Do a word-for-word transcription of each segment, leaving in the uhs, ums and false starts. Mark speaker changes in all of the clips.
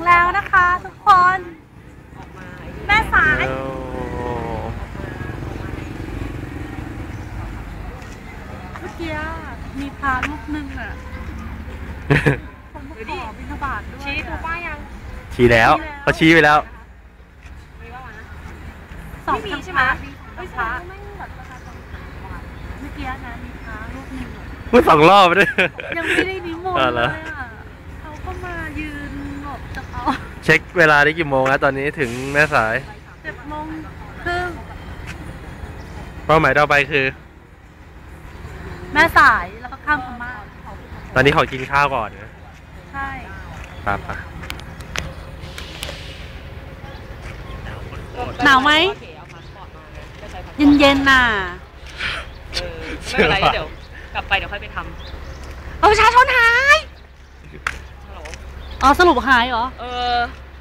Speaker 1: แล้วนะคะทุกคน แม่สายเมื่อกี้มีพาลูกนึงอ่ะคนมาขอบิณฑบาตด้วยชี้ถูกป้ายัง
Speaker 2: ชี้แล้วเขาชี้ไปแล้ว
Speaker 1: สองใช่ไหมไม่ใช่ไม่แบบประชาชนเมื่อกี้นะมีพาลูกนึง
Speaker 2: พูดสองรอบเลย
Speaker 1: ยังไม่ได้นิมนต์เลยอ่ะเขาก็มายืนหลบจากเขา
Speaker 2: เช็คเวลาได้กี่โมงแล้วตอนนี้ถึงแม่สาย
Speaker 1: เจ็ดโมงครึ่ง
Speaker 2: เป้าหมายต่อไปคือ
Speaker 1: แม่สายแล้วก็ข้ามพม่า
Speaker 2: ตอนนี้ขอกินข้าวก่อนนะ
Speaker 1: ใช่
Speaker 2: ครับป่ะ
Speaker 1: หนาวไหมเย็นๆน่ะ
Speaker 3: ไม่เป็นไรเดี๋ยวกลับไปเดี๋ยวค่อยไปทำ
Speaker 1: เอาประชาชนหายอ๋อสรุปหายเหรอ
Speaker 3: เออ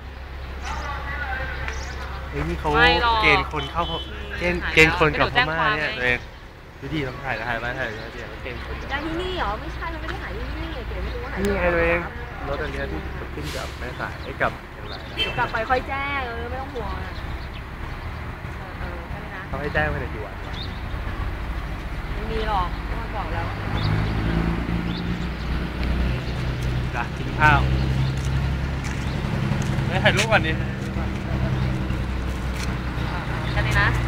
Speaker 2: เฮ้ยนี่เขาเกณฑ์คนเข้าเกณฑ์เกณฑ์คนกับพม่าเนี่ยเองดูดีต้องถ่ายถ่ายมาถ่ายมาเดี๋ยวเกณฑ์คน
Speaker 3: ได้ที่นี่เหรอไม่ใช่เราไม่ได้หายที่นี่เดี๋ยวไม่รู้ว่าหาย
Speaker 2: นี่ไงตัวเองรถอันนี้ที่ขึ้นกับแม่สายไอ้กับ
Speaker 3: อย่างไรกลับไปค่อยแจ้งเออไม่ต้องห่วงอ่ะเออแค่นี้นะ
Speaker 2: เขาให้แจ้งไปในกี่วัน
Speaker 3: ไม่มีหรอกมันบอกแล้ว
Speaker 2: จ้ะกินข้าวไม่ถ่ายรูปก่อนดิ
Speaker 3: แค่นี้นะ